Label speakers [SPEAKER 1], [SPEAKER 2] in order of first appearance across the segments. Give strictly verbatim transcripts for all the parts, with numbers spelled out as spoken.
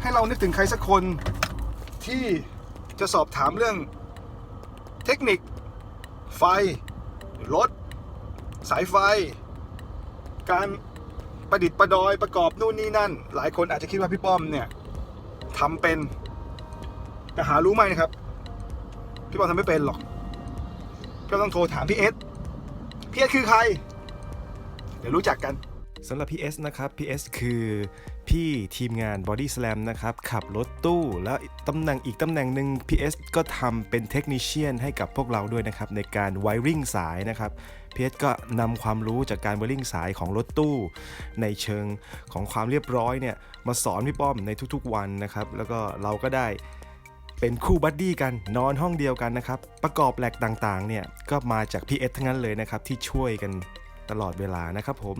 [SPEAKER 1] ให้เรานึกถึงใครสักคนที่จะสอบถามเรื่องเทคนิคไฟรถสายไฟการประดิษฐ์ประดอยประกอบนู่นนี่นั่นหลายคนอาจจะคิดว่าพี่ป้อมเนี่ยทำเป็นแต่หารู้ไหมนะครับพี่ป้อมทำไม่เป็นหรอกก็ต้องโทรถามพี่เอสพี่เอสคือใครเดี๋ยวรู้จักกัน
[SPEAKER 2] สำหรับพี่เอสนะครับพี่เอสคือพี่ทีมงาน Body Slam นะครับขับรถตู้แล้วตำแหน่งอีกตำแหน่งหนึ่งพี่เอสก็ทำเป็นเทคนิเชียนให้กับพวกเราด้วยนะครับในการไวริ่งสายนะครับพี่เอสก็นำความรู้จากการไวริ่งสายของรถตู้ในเชิงของความเรียบร้อยเนี่ยมาสอนพี่ป้อมในทุกๆวันนะครับแล้วก็เราก็ได้เป็นคู่บัดดี้กันนอนห้องเดียวกันนะครับประกอบแหลกต่างๆเนี่ยก็มาจากพี่เอสทั้งนั้นเลยนะครับที่ช่วยกันตลอดเวลานะครับผม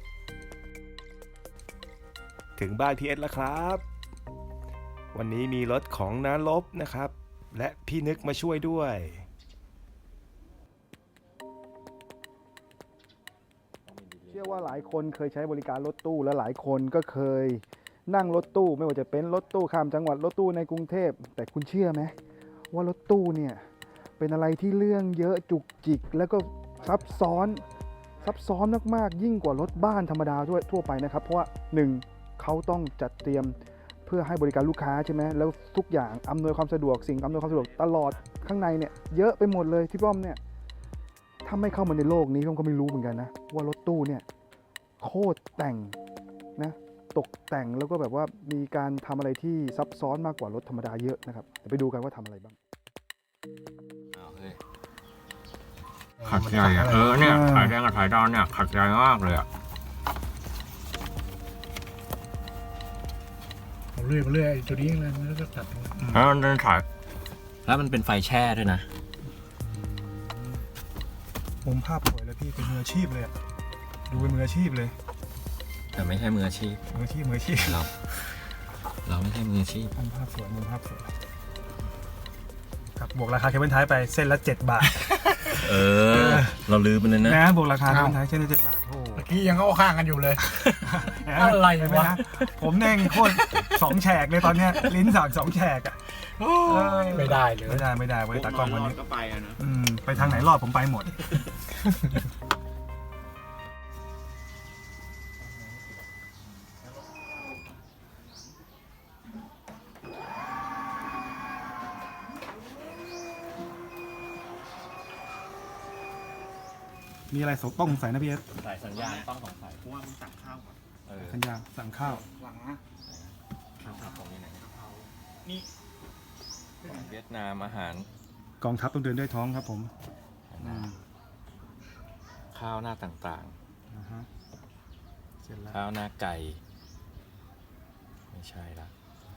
[SPEAKER 2] ถึงบ้านพี่เอสแล้วครับวันนี้มีรถของน้าลบนะครับและพี่นึกมาช่วยด้วย
[SPEAKER 1] เชื่อว่าหลายคนเคยใช้บริการรถตู้และหลายคนก็เคยนั่งรถตู้ไม่ว่าจะเป็นรถตู้ข้ามจังหวัดรถตู้ในกรุงเทพแต่คุณเชื่อไหมว่ารถตู้เนี่ยเป็นอะไรที่เรื่องเยอะจุกจิกแล้วก็ซับซ้อนซับซ้อนมากๆยิ่งกว่ารถบ้านธรรมดาทั่วไปนะครับเพราะว่าหนึ่งเขาต้องจัดเตรียมเพื่อให้บริการลูกค้าใช่ไหมแล้วทุกอย่างอำนวยความสะดวกสิ่งอำนวยความสะดวกตลอดข้างในเนี่ยเยอะไปหมดเลยที่ป้อมเนี่ยถ้าไม่เข้ามาในโลกนี้ผมก็ไม่รู้เหมือนกันนะว่ารถตู้เนี่ยโคตรแต่งนะตกแต่งแล้วก็แบบว่ามีการทำอะไรที่ซับซ้อนมากกว่ารถธรรมดาเยอะนะครับเดี๋ยวไปดูกันว่าทำอะไรบ้าง
[SPEAKER 3] ขัดใจอ่ะเออเนี่ยสายแดงกับสายดำเนี่ยขัดใจมากเลยอ่ะ
[SPEAKER 4] เรื่อยๆเรื่อยๆตัวนี้อะไรมันก็ตัด
[SPEAKER 3] แล้วมันเป็นสาย
[SPEAKER 5] แล้วมันเป็นไฟแช่ด้วยนะ
[SPEAKER 1] มุมภาพสวยเลยพี่เป็นมืออาชีพเลยดูเป็นมืออาชีพเลย
[SPEAKER 5] แต่ไม่ใช่มืออาชีพ
[SPEAKER 1] มืออาชีพมืออาชีพ
[SPEAKER 5] เราเราไม่ใช่มืออาชีพ
[SPEAKER 1] มุมภาพสวยมุมภาพสวยครับบวกราคาเคเบิลไทป์ไปเส้นละเจ็ดบาท
[SPEAKER 5] เออเราลืมไปเลยนะ
[SPEAKER 1] นะบวกราคาเคเบิลไทป์เส้นละเจ็ดบาทโอ้
[SPEAKER 4] เมื่อกี้ยังเข้าข้างกันอยู่เลยอะไรวะ
[SPEAKER 1] ผมเน่งโคตรสองแฉกเลยตอนเนี้ยลิ้นสั่งสองแฉกอ่ะ
[SPEAKER 4] ไม่ได้เลย
[SPEAKER 1] ไม่ได้ไม่ได้ไว้ตากล้องคนนี้
[SPEAKER 3] ก็ไปอ่ะนะ
[SPEAKER 1] ไปทางไหนรอดผมไปหมดมีอะไรต้องสงสัยนะพี่เอส
[SPEAKER 5] สายสัญญาณต้องสงสัย
[SPEAKER 3] เพราะว่ามึงสั่งข้าวก่อน
[SPEAKER 1] สัญญาณสั่งข้าว
[SPEAKER 3] หลังนะ
[SPEAKER 5] ข้าวผัดตรงนี้ไหนนี่เวียดนามอาหาร
[SPEAKER 1] กองทัพต้องเดินด้วยท้องครับผม
[SPEAKER 5] ข้าวหน้าต่างๆข้าวหน้าไก่ไม่ใช่ละ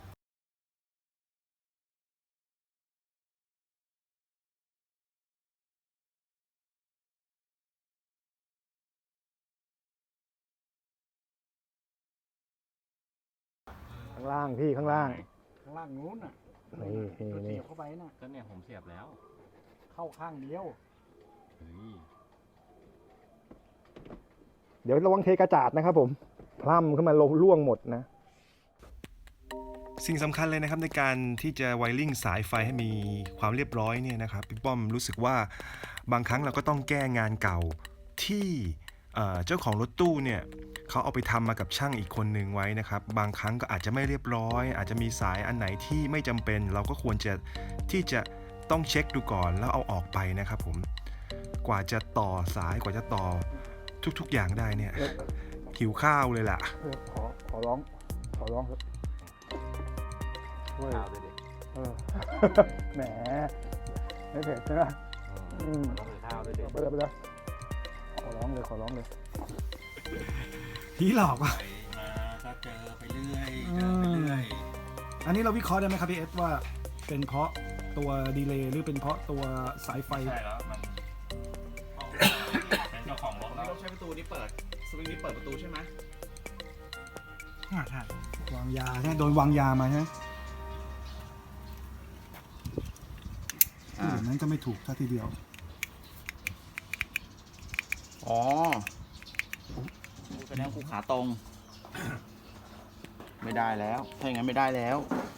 [SPEAKER 1] ข้างล่างพี่ข้างล่าง
[SPEAKER 4] ข้างล่างนู้นน่ะ
[SPEAKER 1] นี่นี่นี่
[SPEAKER 4] เข้าไปน่ะ
[SPEAKER 5] ก็เนี่ยผมเสียบแล้ว
[SPEAKER 4] เข้าข้างเดียว
[SPEAKER 1] เดี๋ยวระวังเทกระจาดนะครับผมพล่ำขึ้นมาลงล่วงหมดนะ
[SPEAKER 2] สิ่งสำคัญเลยนะครับในการที่จะไวริ่งสายไฟให้มีความเรียบร้อยเนี่ยนะครับพี่ป้อมรู้สึกว่าบางครั้งเราก็ต้องแก้งานเก่าที่เจ้าของรถตู้เนี่ยเขาเอาไปทำมากับช่างอีกคนหนึ่งไว้นะครับบางครั้งก็อาจจะไม่เรียบร้อยอาจจะมีสายอันไหนที่ไม่จำเป็นเราก็ควรจะที่จะต้องเช็คดูก่อนแล้วเอาออกไปนะครับผมกว่าจะต่อสายกว่าจะต่อทุกๆอย่างได้เนี่ยหิวข้าวเลยล่ะ
[SPEAKER 1] ขอขอร้องขอร้องครับข้าวเลยดิแหมไม่เผ็ดใช่ไหมอืมข้าวเลยดิไปเลยไปเลยขอร้องเลยขอร้องเลยผีหลอกว่ะ
[SPEAKER 5] มาก็เจอไปเรื่อยเจอไปเรื่อย
[SPEAKER 1] อันนี้เราวิเคราะห์ได้ไหมครับพี่เอสว่าเป็นเพราะตัวดีเลย์หรือเป็นเพราะตัวสายไฟ
[SPEAKER 3] ใช่แล้วมันเป็นเจ้าของรถแล้วใช้ประตูนี้เปิดสวิงนี้เปิดประตูใช่ไหม
[SPEAKER 1] ใช่วางยาใช่โดนวางยามาใช่ไหมอ่านั้นก็ไม่ถูกท่าทีเดียว
[SPEAKER 3] อ๋อแสดงกูขาตรง
[SPEAKER 6] ไม่ได้แล้ว ถ้าอย่างนั้นไม่ได้แล้ว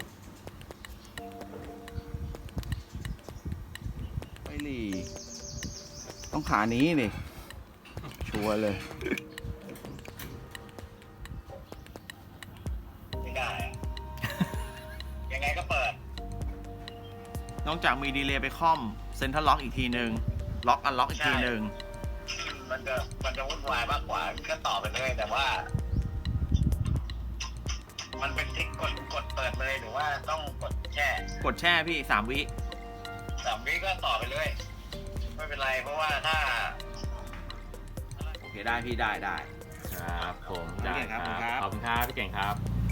[SPEAKER 6] ไปหลีต้องขานี้นี่ชัวร์เลย
[SPEAKER 7] ไม่ได้อะ ยังไงก็เปิด
[SPEAKER 6] นอกจากมีดีเลย์ไปค่อมเซ็นทรัลล็อกอีกทีหนึ่งล็อกอันล็อกอีกทีหนึ่ง
[SPEAKER 7] มันจะมันจะวุ่นวายมากกว่าก็ต่อไปเลยแต่ว่า มันเป็นทริกกดกดเปิดเลยหรือว่าต้องกดแช่
[SPEAKER 6] กดแช่พี่สามวิ
[SPEAKER 7] สามวิก็ต่อไปเลย ไม่เป็นไรเพราะว่าถ้า
[SPEAKER 6] โอเคได้พี่ได้ได้
[SPEAKER 5] ครับผม
[SPEAKER 6] พี่เก่งครับ
[SPEAKER 5] ได้
[SPEAKER 6] ขอบคุณครับ
[SPEAKER 5] ขอบคุณครับพี่เก่งครับ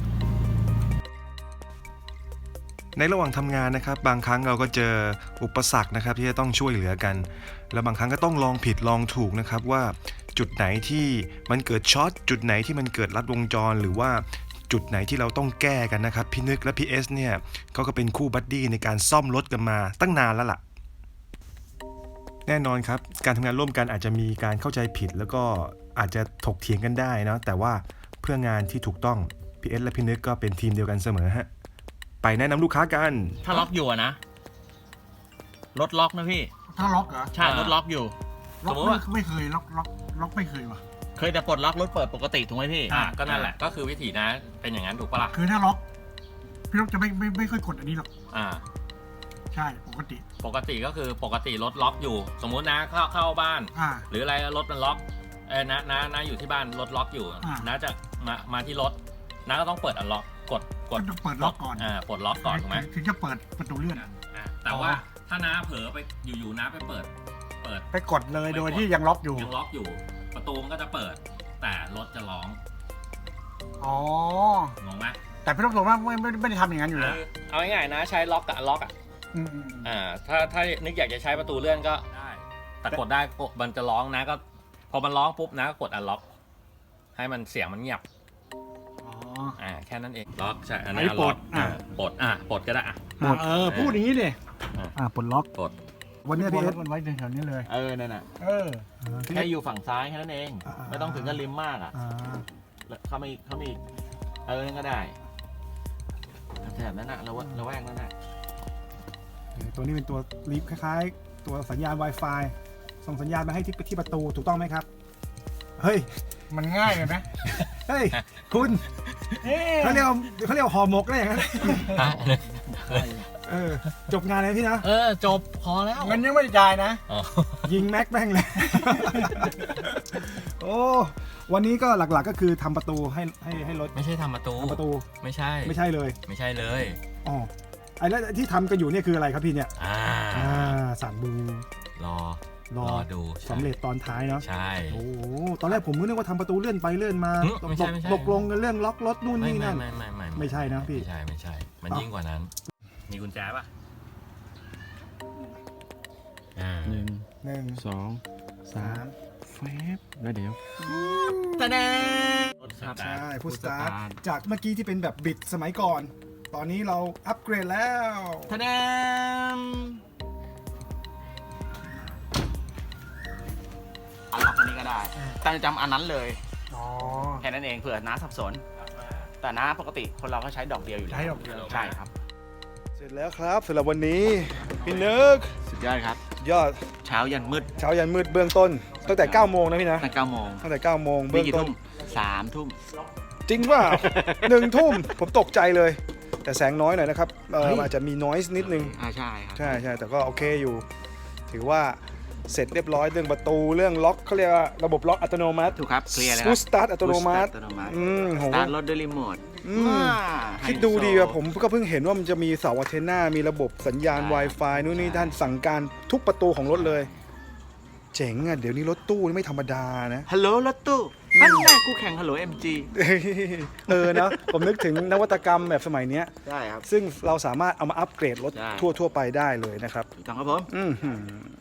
[SPEAKER 2] ในระหว่างทำงานนะครับบางครั้งเราก็เจออุปสรรคนะครับที่จะต้องช่วยเหลือกัน แล้วบางครั้งก็ต้องลองผิดลองถูกนะครับว่าจุดไหนที่มันเกิดช็อตจุดไหนที่มันเกิดลัดวงจรหรือว่าจุดไหนที่เราต้องแก้กันนะครับพี่นึกและพี่เอสเนี่ยเขาก็เป็นคู่บัดดี้ในการซ่อมรถกันมาตั้งนานแล้วล่ะแน่นอนครับการทำงานร่วมกันอาจจะมีการเข้าใจผิดแล้วก็อาจจะถกเถียงกันได้นะแต่ว่าเพื่องานที่ถูกต้องพี่เอสและพี่นึกก็เป็นทีมเดียวกันเสมอฮะไปแนะนำลูกค้ากัน
[SPEAKER 8] ถ้าล็อกอยู่อะนะรถล็อกนะพี่
[SPEAKER 4] ถ้าล็อกเหรอ
[SPEAKER 8] ใช่รถล็อกอยู่
[SPEAKER 4] ล็อก
[SPEAKER 8] สมมุติ
[SPEAKER 4] ไม่
[SPEAKER 8] ว่า
[SPEAKER 4] ไม่เคยล็อกล็อกล็อกไม่เคยว่ะ
[SPEAKER 8] เคยแต่ปลดล็อกรถเปิดปกติถูกไหมพี่
[SPEAKER 5] อ่ะก็นั่นแหละก็คือวิธีนะเป็นอย่างนั้นถูกปะล่ะ
[SPEAKER 4] คือถ้าล็อกพี่ล็อกจะไม่ไม่ไม่ค่อยกดอันนี้หรอก
[SPEAKER 5] อ่า
[SPEAKER 4] ใช่ปกติ
[SPEAKER 5] ปกติก็คือปกติรถล็อกอยู่ สมมุตินะเข้าเข้าบ้าน
[SPEAKER 4] อ่า
[SPEAKER 5] หรืออะไรรถมันล็อกเออนะนะนะอยู่ที่บ้านรถล็อกอยู่
[SPEAKER 4] อ่า
[SPEAKER 5] นะจะมามาที่รถนะก็ต้องเปิดอันล็อกกดก
[SPEAKER 4] ก็
[SPEAKER 5] ด
[SPEAKER 4] ต้องเปิดล็อกก่อน
[SPEAKER 5] อ่าปลดล็อกก่อนถูกไหม
[SPEAKER 4] ถึงจะเปิดประตูเลื่อน
[SPEAKER 5] อ่ะแต่ว่าถ้าน้าเผลอไปอยู่ๆน้าไปเปิด เปิด
[SPEAKER 4] ไปกดเลยโดยที่ยังล็อกอยู่
[SPEAKER 5] ยังล็อกอยู่ ประตูมันก็จะเปิด แต่รถจะร้อง
[SPEAKER 4] อ๋อ
[SPEAKER 5] งงไหม
[SPEAKER 4] แต่พี่ต้องบอกว่าไม่ไม่ไม่ได้ทำอย่างนั้นอยู่แล้ว
[SPEAKER 5] คือเอาง่ายๆนะใช้ล็อกกับล็อกอ่ะ
[SPEAKER 4] อืมอืมอืม
[SPEAKER 5] อ่าถ้าถ้านึกอยากจะใช้ประตูเลื่อนก็ได้แต่กดได้กดมันจะร้องนะก็ พอมันร้องปุ๊บนะก็กดอันล็อก ให้มันเสียงมันเงียบ
[SPEAKER 4] อ๋อ
[SPEAKER 5] อ่าแค่นั้นเองล็อกใช่อัน
[SPEAKER 4] อัน
[SPEAKER 5] นี้
[SPEAKER 4] นี้
[SPEAKER 5] ล็อก
[SPEAKER 4] ปลดอ่า
[SPEAKER 5] ปลดอ่ะปลดก็ได้อ่ะ
[SPEAKER 4] อ่าเออพูดอย่างนี้ดิ
[SPEAKER 5] อ่า
[SPEAKER 4] อ่าปลดล็อก
[SPEAKER 5] ปลด
[SPEAKER 1] วันนี้
[SPEAKER 4] ปล
[SPEAKER 1] พี่
[SPEAKER 4] ด
[SPEAKER 1] เอ
[SPEAKER 4] ล็อ
[SPEAKER 1] ส
[SPEAKER 4] กมันไว้แถวๆนี้เลย
[SPEAKER 6] เออนั่นน่ะ
[SPEAKER 4] เออ
[SPEAKER 6] แค่อยู่ฝั่งซ้ายแค่นั้นเอง
[SPEAKER 1] อ่า
[SPEAKER 6] ไม่ต้องถึงกับริมมากอ่ะ
[SPEAKER 1] อ่า
[SPEAKER 6] แล้วเข้ามาอีกเข้ามาอีกเออนั่นก็ได้แถบนั้นน่ะระแวกระแวกนั้นน่ะ
[SPEAKER 1] ตัวนี้เป็นตัวลิฟต์คล้ายๆ ตัวสัญญาณ Wi-Fi ส่งสัญญาณมาให้ที่ที่ประตูถูกต้องไหมครับ เฮ้ย
[SPEAKER 4] มันง่ายเลยไหม
[SPEAKER 1] เฮ้ย คุณ
[SPEAKER 4] เอ๊ะ
[SPEAKER 1] เขาเรียกว่าเขาเรียกว่าห่อหมกได้อย่างนั้นเออจบงานเลยพี่นะ
[SPEAKER 8] เออจบพอแล้ว
[SPEAKER 4] เงินยังไม่ได้จ่ายนะ
[SPEAKER 8] อ๋อ
[SPEAKER 1] ยิงแม็กแม่งเลย โอ้วันนี้ก็หลักๆก็คือทำประตูให้ให้ให้รถ
[SPEAKER 5] ไม่ใช่ทำประตู
[SPEAKER 1] ทำประตู
[SPEAKER 5] ไม่ใช่
[SPEAKER 1] ไม่ใช่เลย
[SPEAKER 5] ไม่ใช่เลย
[SPEAKER 1] อ๋อไอ้แล้วที่ทำกันอยู่เนี่ยคืออะไรครับพี่เนี่ย
[SPEAKER 5] อ่า
[SPEAKER 1] อ่าสามบู
[SPEAKER 5] รอ
[SPEAKER 1] รอ
[SPEAKER 5] รอดูใช่
[SPEAKER 1] สำเร็จตอนท้ายเนาะ
[SPEAKER 5] ใช่
[SPEAKER 1] โอ้โหตอนแรกผมก็นึกว่าทำประตูเลื่อนไปเลื่อนมา
[SPEAKER 5] หึ
[SPEAKER 1] ตก
[SPEAKER 5] ไม่ใช่ไม่ใช่
[SPEAKER 1] ตกลงกันเรื่องล็อกรถนู่น
[SPEAKER 5] ไม่
[SPEAKER 1] นี่
[SPEAKER 5] ไม่
[SPEAKER 1] นั่น
[SPEAKER 5] ไม่ไม่ไม่
[SPEAKER 1] ไม่ใช่นะพี่
[SPEAKER 5] ไม่ใช่ไม่ใช่ มัน
[SPEAKER 1] อ้าว
[SPEAKER 5] ยิ่งกว่านั้น มีกุญแจป่ะอ่า
[SPEAKER 6] หนึ่ง
[SPEAKER 1] หนึ่ง
[SPEAKER 6] สอง
[SPEAKER 1] สาม
[SPEAKER 6] แฟบแล้วเดี๋ยว
[SPEAKER 8] ตะแดง
[SPEAKER 5] รถสตา
[SPEAKER 1] ใช่
[SPEAKER 5] ร์ท
[SPEAKER 1] พุทสตาร์ทจากเมื่อกี้ที่เป็นแบบบิดสมัยก่อน ตอนนี้เราอัปเกรดแล้ว
[SPEAKER 8] ตะแดง
[SPEAKER 6] อันล็อกอันนี้ก็ได้แต่จำอันนั้นเลย
[SPEAKER 4] อ๋อ
[SPEAKER 6] แค่นั้นเองเผื่อน้าสับสน แต่น้าปกติคนเราก็ใช้ดอกเดียวอยู่แล้ว
[SPEAKER 4] ใช้ดอกเดียว
[SPEAKER 6] ใช่ครับ
[SPEAKER 1] เสร็จแล้วครับสำหรับวันนี้พี่นึก
[SPEAKER 6] สุดยอดครับ
[SPEAKER 1] ยอด
[SPEAKER 6] เช้ายันมืด
[SPEAKER 1] เช้ายันมืดเบื้องต้น ตั้งแต่เก้าโมงนะพี่นะ
[SPEAKER 6] ตั้งเก้าโมง
[SPEAKER 1] ตั้งแต่เก้าโมง
[SPEAKER 6] มี
[SPEAKER 1] เบื้อง
[SPEAKER 6] กี่
[SPEAKER 1] ต้
[SPEAKER 6] ทุ่
[SPEAKER 1] น
[SPEAKER 6] มสามทุ่ม
[SPEAKER 1] จริงเปล่า หนึ่งทุ่มผมตกใจเลย แต่แสงน้อยหน่อยนะครับเอออาจจะมีนอยส์นิดนึง
[SPEAKER 6] อ่าใช่ครับ
[SPEAKER 1] ใช่ใช่แต่ก็โอเคอยู่ ถือว่าเสร็จเรียบร้อยเรื่องประตูเรื่องล็อกเขาเรียกว่าระบบล็อกอัตโนมัติ
[SPEAKER 6] ถูกครับเคลียร์เลยค
[SPEAKER 1] ฟู
[SPEAKER 6] รับ
[SPEAKER 1] สตาร์ทอัตโนมัติ
[SPEAKER 6] อัตโนมัติ
[SPEAKER 1] อืมโห
[SPEAKER 6] สตาร์ทรถด้วยรีโมท
[SPEAKER 1] อืม
[SPEAKER 6] ว้า
[SPEAKER 1] คิดดูดีอะผมก็เพิ่งเห็นว่ามันจะมีเสาอันเทนนามีระบบสัญญาณ Wi-Fi นู่นนี่ท่านสั่งการทุกประตูของรถเลย เจ๋งอะเดี๋ยวนี้รถตู้นี่ไม่ธรรมดานะ
[SPEAKER 6] ฮัลโหลรถตู้นั่นแหละกูแข่งฮัลโหลเอ็มจี
[SPEAKER 1] เออเนาะผมนึกถึงนวัตกรรมแบบสมัยเนี้ย
[SPEAKER 6] ใช่ครับ
[SPEAKER 1] ซึ่งเราสามารถเอามาอัปเกรดรถ
[SPEAKER 6] ใช่
[SPEAKER 1] ทั่วทั่วๆไปได้เลยนะครับ
[SPEAKER 6] ถูกต้องครับผม
[SPEAKER 1] อือหือ